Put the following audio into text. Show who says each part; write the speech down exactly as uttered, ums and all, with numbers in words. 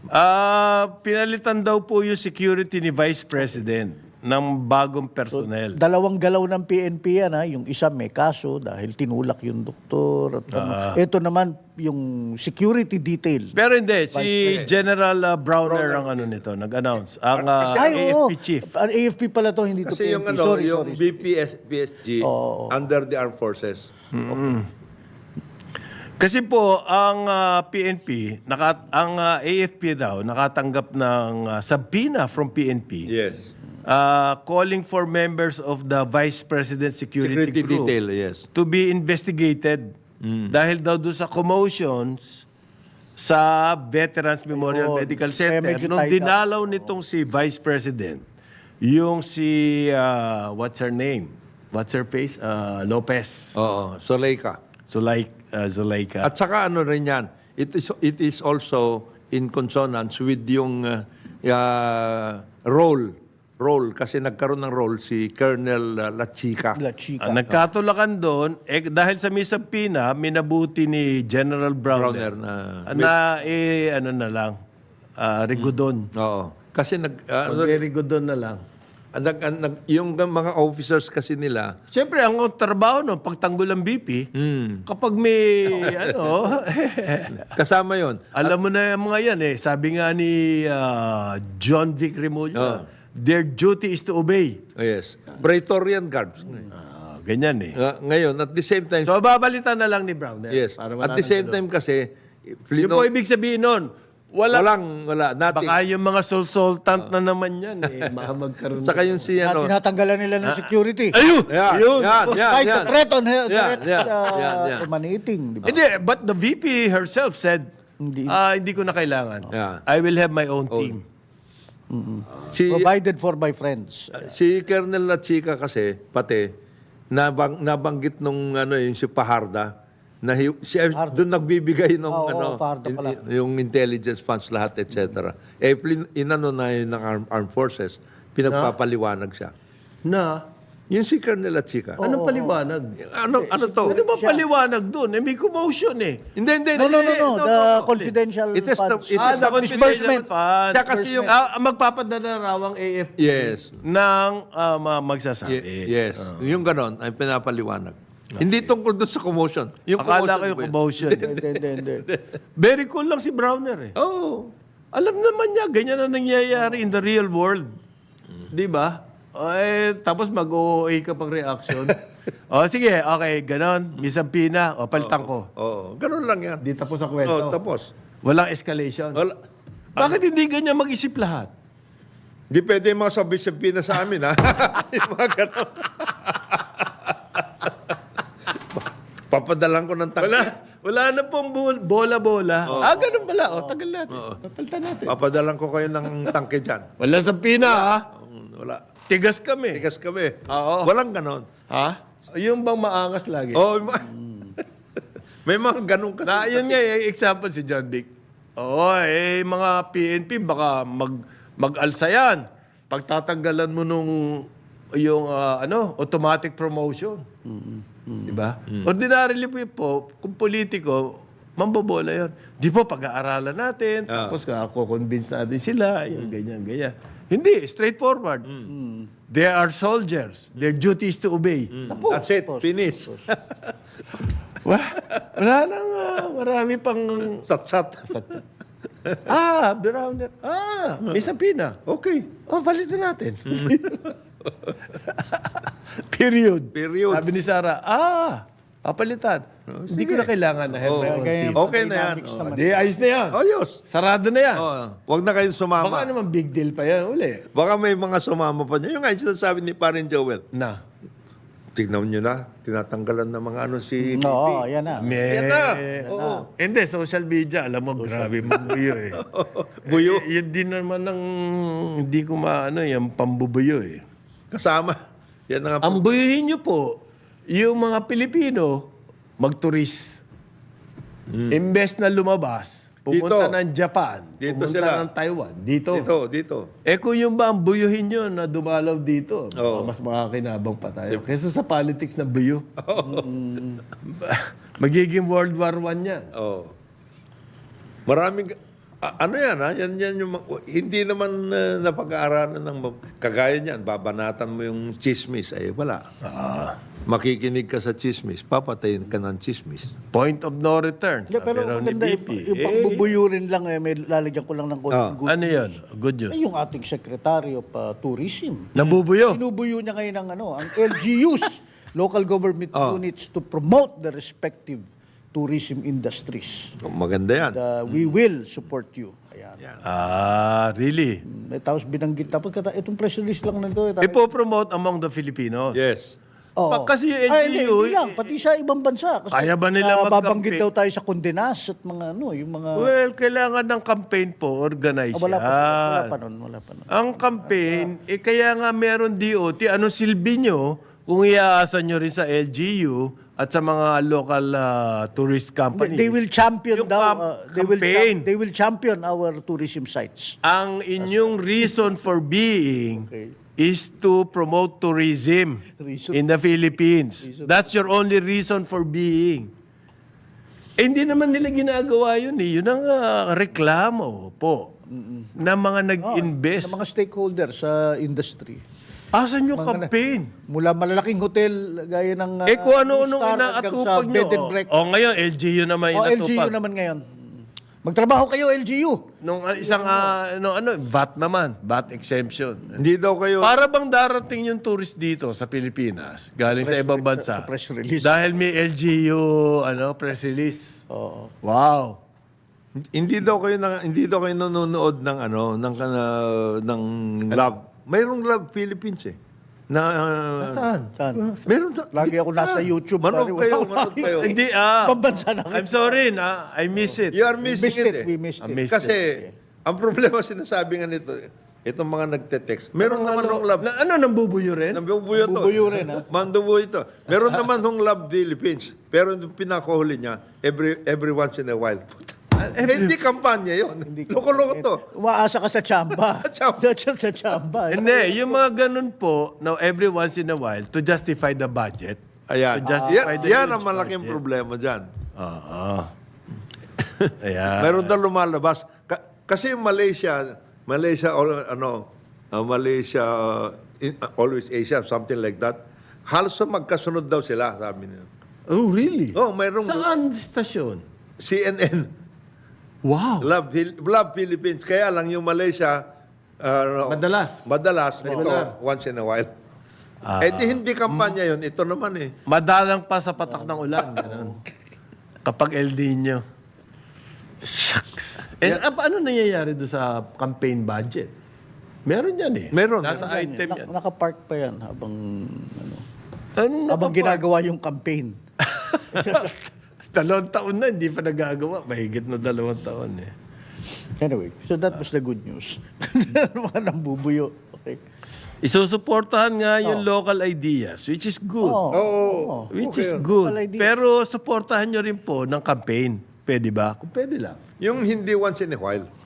Speaker 1: Ah, pinalitan daw po yung security ni Vice President ng bagong personnel.
Speaker 2: Dalawang galaw ng P N P yan, ha? Yung isa may kaso dahil tinulak yung doktor. At ano. Ito naman, yung security detail.
Speaker 1: Pero hindi, si General uh, Browner ang ano nito, nag-announce. Ang uh,
Speaker 2: Ay,
Speaker 1: A F P
Speaker 2: oo.
Speaker 1: chief.
Speaker 2: Ang A F P pala to, hindi to
Speaker 3: Kasi
Speaker 2: P N P.
Speaker 3: yung ano,
Speaker 2: sorry,
Speaker 3: yung
Speaker 2: sorry.
Speaker 3: B P S, B S G under the armed forces.
Speaker 1: Kasi po, ang uh, P N P, naka, ang uh, A F P daw, nakatanggap ng uh, subpoena from P N P.
Speaker 3: Yes.
Speaker 1: Uh, calling for members of the Vice President Security,
Speaker 3: Security
Speaker 1: Group
Speaker 3: detail, yes.
Speaker 1: to be investigated dahil daw doon sa commotions sa Veterans Memorial
Speaker 2: Oo,
Speaker 1: Medical
Speaker 2: kaya
Speaker 1: Center.
Speaker 2: medyo
Speaker 1: Nung
Speaker 2: tight up.
Speaker 1: dinalaw nitong si Vice President, yung si, uh, what's her name? What's her face? Uh, Lopez.
Speaker 3: Oo, Soleika.
Speaker 1: Zulay, uh, Zulayka.
Speaker 3: At saka ano rin yan, it is, it is also in consonance with yung uh, uh, role, role, kasi nagkaroon ng role si Colonel uh, Lachica.
Speaker 2: La Chica.
Speaker 1: Ah, nagkatulakan doon, eh, dahil sa may subpoena, minabuti ni General Browner,
Speaker 3: Browner na...
Speaker 1: na eh, ano na lang, uh, Rigodon.
Speaker 3: Oo. Kasi nag, uh, ano,
Speaker 1: Mag-Rigodon na lang.
Speaker 3: nag, nag, yung mga officers kasi nila,
Speaker 1: Siyempre, ang trabaho no, pagtanggol ng B P, kapag may, ano,
Speaker 3: kasama yon.
Speaker 1: alam mo na yung mga yan eh. Sabi nga ni ah, John Vic Remulla,
Speaker 3: Oh.
Speaker 1: their duty is to obey.
Speaker 3: Oh, yes. Praetorian Guards.
Speaker 1: Ah, ganyan eh.
Speaker 3: Uh, ngayon, at the same time,
Speaker 1: So, babalitan na lang ni Browner.
Speaker 3: yes,
Speaker 1: Para wala
Speaker 3: at the
Speaker 1: nang
Speaker 3: same
Speaker 1: gulo.
Speaker 3: time kasi,
Speaker 1: Yung
Speaker 3: Flino,
Speaker 1: po ibig sabihin nun, wala,
Speaker 3: walang, wala, nothing.
Speaker 1: baka yung mga sulsultant na naman yan eh, baka magkaroon.
Speaker 3: Saka yung si,
Speaker 2: Na
Speaker 3: ano,
Speaker 2: tinatanggalan nila ng security.
Speaker 1: Ayun!
Speaker 3: yan,
Speaker 1: Ayun!
Speaker 3: yan, yan,
Speaker 2: Kahit
Speaker 3: yan.
Speaker 2: the threat on her,
Speaker 3: Yan,
Speaker 2: threat
Speaker 3: yan,
Speaker 2: uh,
Speaker 3: yan, yan.
Speaker 2: emanating. Di ba?
Speaker 1: Hindi, but the V P herself said,
Speaker 2: Hindi.
Speaker 1: ah, hindi ko na kailangan.
Speaker 3: Yeah.
Speaker 1: I will have my own team.
Speaker 3: Si,
Speaker 2: Provided for by friends.
Speaker 3: si Colonel Lachica kasi, pati, nabang, nabanggit nung, ano, yung si Paharda, na hi- si, doon nagbibigay ng,
Speaker 2: Oo,
Speaker 3: ano,
Speaker 2: Fajardo
Speaker 3: in-
Speaker 2: pala.
Speaker 3: yung intelligence funds lahat, et cetera. Eh, plin- inano na yun ng armed, armed forces, pinagpapaliwanag siya.
Speaker 1: Na,
Speaker 3: Yung si Colonel Lachica.
Speaker 1: anong paliwanag?
Speaker 3: Ano, ano to?
Speaker 1: Ano ba paliwanag doon? Eh, may commotion eh.
Speaker 3: Hindi, hindi.
Speaker 2: No, no, no,
Speaker 3: hindi,
Speaker 2: no. The confidential
Speaker 3: It is the-
Speaker 2: funds.
Speaker 3: it
Speaker 1: Ah,
Speaker 3: is
Speaker 1: the
Speaker 3: the
Speaker 1: confidential funds.
Speaker 3: Siya kasi yung-
Speaker 1: Ah, magpapadala raw ang A F P
Speaker 3: Yes.
Speaker 1: ng ah, ma- magsasabi.
Speaker 3: Ye- yes. Yung ganon, ay pinapaliwanag. Hindi tungkol doon sa commotion. Yung
Speaker 1: Akala ko yung
Speaker 3: ba yun?
Speaker 1: commotion.
Speaker 2: Hindi, hindi, hindi.
Speaker 1: Very cool lang si Browner eh.
Speaker 3: Oo.
Speaker 1: Alam naman niya, ganyan na nangyayari in the real world. Di ba? O, eh, tapos mag-O O A ka pang reaction. o sige, okay, ganon. Misapina. O, palitan ko.
Speaker 3: Oo. Ganon lang yan.
Speaker 1: Di tapos ang
Speaker 3: Oo,
Speaker 1: kwento.
Speaker 3: tapos.
Speaker 1: Walang escalation.
Speaker 3: Wala.
Speaker 1: Bakit hindi ganyan mag-isip lahat?
Speaker 3: Di pwede yung mga sabi-sabi na sa amin, ha? Yung mga ganon. Papadalan ko ng tangke.
Speaker 1: Wala, wala na pong bul- bola-bola. Ah, ganun pala. O, tagal natin. Papalitan natin.
Speaker 3: Papadalan ko kayo ng tangke dyan.
Speaker 1: Wala sa pina, ha?
Speaker 3: Um, Wala.
Speaker 1: Tigas kami.
Speaker 3: Tigas kami.
Speaker 1: Oo.
Speaker 3: Walang ganon.
Speaker 1: Ha? Yung bang maangas lagi?
Speaker 3: Oo. ma- May mga ganon kasi.
Speaker 1: Na, yun nga, eh, example si John Vic. Oo, eh, mga P N P, baka mag, mag-alsa yan. Pagtatanggalan mo nung, yung, ah, ano, automatic promotion. Di ba? Ordinarily po, po, kung politiko, mambobola yun. Di po, pag-aaralan natin, tapos ako-convince natin sila, yung ganyan, ganyan. Hindi, straightforward. They are soldiers. Their duty is to obey. Tapos.
Speaker 3: That's it. Finish.
Speaker 1: Wala, wala nang ah, marami pang...
Speaker 3: Sat-sat.
Speaker 1: Ah, Browner. Ah, may sapina.
Speaker 3: Okay.
Speaker 1: Oh, palitan natin. Period.
Speaker 3: Period.
Speaker 1: Sabi ni Sarah, ah, papalitan. Hindi ko na kailangan na have my own
Speaker 2: Kaya
Speaker 1: team.
Speaker 3: Okay na yan.
Speaker 2: dynamics
Speaker 1: Oh,
Speaker 2: naman.
Speaker 1: di, ayos na yan.
Speaker 3: Ayos.
Speaker 1: Sarado na yan.
Speaker 3: Oh, wag na kayong
Speaker 1: Baka
Speaker 3: sumama.
Speaker 1: naman big deal pa yan uli.
Speaker 3: Baka may mga sumama pa niya. Yung nga yung sinasabi ni Parin Joel.
Speaker 1: Na.
Speaker 3: Tignan nyo na. Tinatanggalan ng mga ano si...
Speaker 2: Oo, yan na.
Speaker 1: May,
Speaker 3: Yan na. Oo.
Speaker 1: Hindi, social media, alam mo, grabe magbuyo eh.
Speaker 3: Buyo.
Speaker 1: Eh, yun din naman ng, hindi ko maano, yung pambubuyo eh.
Speaker 3: Kasama. Yan na nga po.
Speaker 1: Ang buyuhin nyo po, yung mga Pilipino, magturis. Imbes na lumabas, pumunta
Speaker 3: Dito.
Speaker 1: ng Japan,
Speaker 3: Dito
Speaker 1: pumunta
Speaker 3: sila.
Speaker 1: ng Taiwan, dito.
Speaker 3: Dito, dito.
Speaker 1: Eh kung yung ba ang buyuhin nyo na dumalaw dito, baka
Speaker 3: Oo.
Speaker 1: mas makakinabang pa tayo. Kesa sa politics na buyo. Magiging World War One yan.
Speaker 3: Oh. Maraming... A- ano yan, ha? Yan, yan yung, ma- hindi naman uh, napag-aaralan ng, ma- kagaya niyan, babanatan mo yung chismis, ay wala. Makikinig ka sa chismis, papatayin ka ng chismis.
Speaker 1: Point of no return.
Speaker 2: Hindi,
Speaker 1: Sabi
Speaker 2: pero
Speaker 1: raw ni
Speaker 2: maganda,
Speaker 1: B
Speaker 2: yung,
Speaker 1: P.
Speaker 2: yung
Speaker 1: Eh,
Speaker 2: pagbubuyurin lang, eh, may lalagyan ko lang ng konting good
Speaker 1: ano yan?
Speaker 2: news.
Speaker 1: Good news.
Speaker 2: Eh, yung ating Secretary of uh, Tourism.
Speaker 1: Nabubuyo.
Speaker 2: Sinubuyo niya ngayon ng ano, ang L G Us, local government units, to promote the respective tourism industries.
Speaker 3: Maganda yan.
Speaker 2: Uh, we will support you. Ayan.
Speaker 3: Yan.
Speaker 1: Ah, really?
Speaker 2: May tapos binanggit tapos kata itong press release lang nito. Eh,
Speaker 1: Ipo-promote among the Filipinos.
Speaker 3: Yes.
Speaker 2: Oo.
Speaker 1: Pa- kasi yung
Speaker 2: Ay, hindi,
Speaker 1: L G U,
Speaker 2: hindi lang, pati sa ibang bansa. Kasi
Speaker 1: Kaya ba nila
Speaker 2: nababanggit
Speaker 1: mag-campaign?
Speaker 2: daw tayo sa Condenas at mga ano, yung mga...
Speaker 1: Well, kailangan ng campaign po, organize
Speaker 2: Ah, wala, pa,
Speaker 1: yan.
Speaker 2: wala pa nun, wala pa nun.
Speaker 1: Ang campaign, eh kaya nga meron D O T, anong silbi nyo kung iaasan nyo rin sa L G U at sa mga local ah, tourist companies?
Speaker 2: They will champion
Speaker 1: Yung
Speaker 2: daw,
Speaker 1: cam-
Speaker 2: uh, they will
Speaker 1: campaign.
Speaker 2: cham- they will champion our tourism sites.
Speaker 1: Ang inyong reason for being
Speaker 2: Okay.
Speaker 1: is to promote tourism
Speaker 2: Reason-
Speaker 1: in the Philippines. That's your only reason for being. Eh, hindi naman nila ginagawa yun eh. Yun ang ah, reklamo po ng mga nag-invest.
Speaker 2: Ng mga stakeholders sa industry.
Speaker 1: Asan yung campaign?
Speaker 2: Mula malalaking hotel, gaya ng... uh,
Speaker 1: eh kung ano-anong
Speaker 2: Star hanggang
Speaker 1: inaatupag
Speaker 2: sa
Speaker 1: nyo.
Speaker 2: bed and
Speaker 1: O
Speaker 2: breakfast.
Speaker 1: oh, ngayon, L G U naman
Speaker 2: O, L G U
Speaker 1: inatupag.
Speaker 2: naman ngayon. Magtrabaho kayo, L G U.
Speaker 1: Nung ah, isang, ah, ano, ano, V A T naman. V A T exemption.
Speaker 3: Hindi daw kayo...
Speaker 1: Para bang darating yung tourist dito sa Pilipinas, galing sa ibang
Speaker 2: re-
Speaker 1: bansa.
Speaker 2: sa press release.
Speaker 1: Dahil may L G U, ano, press release.
Speaker 2: Oo.
Speaker 1: Wow.
Speaker 3: Hindi daw kayo na, hindi daw kayo nanonood ng ano ng uh, ng Love. Mayroong Love Philippines eh. Na uh,
Speaker 1: Saan?
Speaker 2: Saan?
Speaker 3: meron ta-
Speaker 2: Lagi ako nasa YouTube.
Speaker 3: Manood
Speaker 2: pare,
Speaker 3: kayo,
Speaker 2: wala-
Speaker 3: manood kayo.
Speaker 1: Hindi, ah.
Speaker 2: Pambansa na.
Speaker 1: I'm sorry, na. I miss it.
Speaker 3: You are
Speaker 2: We
Speaker 3: missing
Speaker 2: missed
Speaker 3: it,
Speaker 2: it.
Speaker 3: eh.
Speaker 2: We missed
Speaker 1: I
Speaker 2: it.
Speaker 1: missed
Speaker 3: Kasi
Speaker 1: it.
Speaker 3: ang problema sinasabi nga nito, itong mga nagte-text. Meron naman hong Love.
Speaker 1: Na, ano, nambubuyo rin?
Speaker 3: Nambubuyo to.
Speaker 2: Nambubuyo rin, ha?
Speaker 3: Mandubuyo ito. Meron naman hong Love Philippines. Pero yung pinakahuli niya, every every once in a while. Eh, hindi kampanya yun. Loko-loko to.
Speaker 2: Umaasa ka sa chamba.
Speaker 3: Chamba.
Speaker 2: Sa sa chamba.
Speaker 1: Hindi, yung mga ganun po, now every once in a while, to justify the budget.
Speaker 3: Ayan.
Speaker 1: To justify
Speaker 3: Yan,
Speaker 1: the
Speaker 3: yan
Speaker 1: huge
Speaker 3: ang malaking
Speaker 1: budget.
Speaker 3: problema dyan.
Speaker 1: Oo. Ayan.
Speaker 3: Meron daw lumalabas. Ka- kasi yung Malaysia, Malaysia, or, ano, uh, Malaysia, uh, in- uh, always Asia, something like that. Halos magkasunod daw sila, sabi nila.
Speaker 1: Oh, really?
Speaker 3: Oh, mayroong
Speaker 1: Saan stasyon?
Speaker 3: C N N,
Speaker 1: Wow.
Speaker 3: Love, Phil- Love Philippines. Kaya lang yung Malaysia, uh, ano,
Speaker 1: Madalas.
Speaker 3: madalas, ito,
Speaker 1: Regular.
Speaker 3: once in a while. eh di hindi kampanya yun, ito naman eh.
Speaker 1: Madalang pa sa patak ng ulan. Ganun. Kapag El Nino. Shucks. Eh, ah, paano nangyayari doon sa campaign budget? Meron yan eh.
Speaker 3: Meron.
Speaker 1: Nasa item
Speaker 2: Na-
Speaker 1: yan.
Speaker 2: Nakapark pa yan habang ano,
Speaker 1: Ano
Speaker 2: habang ginagawa yung campaign.
Speaker 1: Dalawang taon na, hindi pa nagagawa. Mahigit na dalawang taon eh.
Speaker 2: Anyway, so that was the good news. Mga nambubuyo. Okay.
Speaker 1: Isusuportahan nga yung local ideas, which is good.
Speaker 2: Oo.
Speaker 3: Oo.
Speaker 1: Which
Speaker 3: Okay.
Speaker 1: is good.
Speaker 2: Local ideas.
Speaker 1: Pero suportahan nyo rin po ng campaign. Pwede ba? Kung pwede lang.
Speaker 3: Yung hindi once in a while.